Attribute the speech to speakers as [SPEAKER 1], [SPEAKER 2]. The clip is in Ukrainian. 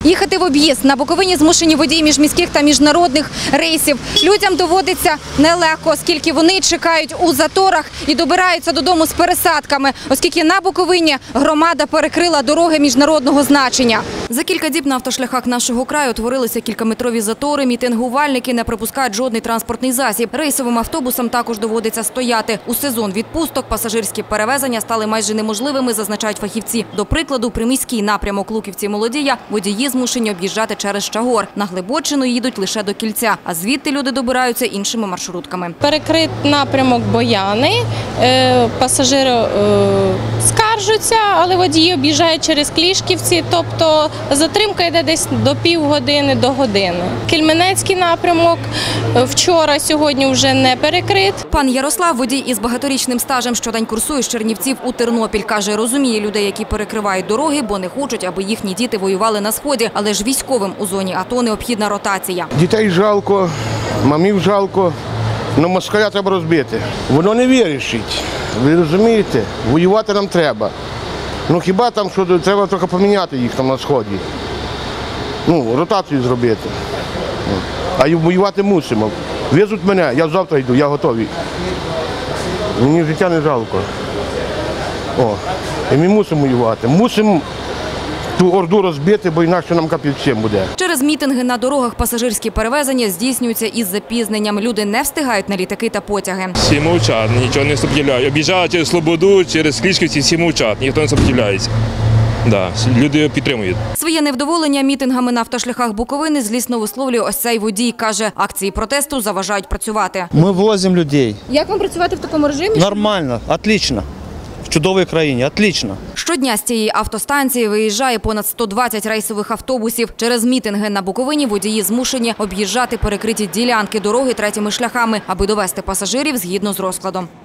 [SPEAKER 1] Їхати в об'їзд на Буковині змушені водії міжміських та міжнародних рейсів. Людям доводиться нелегко, оскільки вони чекають у заторах і добираються додому з пересадками, оскільки на Буковині громада перекрила дороги міжнародного значення. За кілька діб на автошляхах нашого краю утворилися кількаметрові затори, мітингувальники не пропускають жодний транспортний засіб. Рейсовим автобусам також доводиться стояти. У сезон відпусток пасажирські перевезення стали майже неможливими, зазначають фахівці. До прикладу, приміський напрямок Луківці-Молодія водії змушені об'їжджати через Чагор. На Глибоччину їдуть лише до Кільця, а звідти люди добираються іншими маршрутками.
[SPEAKER 2] Перекрит напрямок Бояни, пасажири скаржаться, але водії об'їжджають через Клішківці, тобто затримка йде десь до півгодини, до години. Кельменецький напрямок вчора, сьогодні вже не перекрит.
[SPEAKER 1] Пан Ярослав, водій із багаторічним стажем, щодень курсує з Чернівців у Тернопіль. Каже, розуміє людей, які перекривають дороги, бо не хочуть, аби їхні діти воювали на Сході. Але ж військовим у зоні АТО необхідна ротація.
[SPEAKER 3] Дітей жалко, мамів жалко, але москаля треба розбити. Воно не вирішить, ви розумієте? Воювати нам треба. Ну хіба там, що треба трохи поміняти їх там на Сході. Ну, ротацію зробити. А й воювати мусимо. Везуть мене, я завтра йду, я готовий. Мені життя не жалко. І ми мусимо воювати. Мусимо ту орду розбити, бо інакше нам капець всім буде.
[SPEAKER 1] Через мітинги на дорогах пасажирські перевезення здійснюються із запізненням. Люди не встигають на літаки та потяги.
[SPEAKER 4] Всі мовчать, нічого не сопротивляють. Об'їжджають через Слободу, через Клішківці, всі мовчать, ніхто не сопротивляється. Да, люди підтримують.
[SPEAKER 1] Своє невдоволення мітингами на автошляхах Буковини злісно висловлює ось цей водій. Каже, акції протесту заважають працювати.
[SPEAKER 5] Ми возимо людей.
[SPEAKER 1] Як вам працювати в такому режимі?
[SPEAKER 5] Нормально, отлично. В чудовій країні, отлично.
[SPEAKER 1] Щодня з цієї автостанції виїжджає понад 120 рейсових автобусів. Через мітинги на Буковині водії змушені об'їжджати перекриті ділянки дороги третіми шляхами, аби довести пасажирів згідно з розкладом.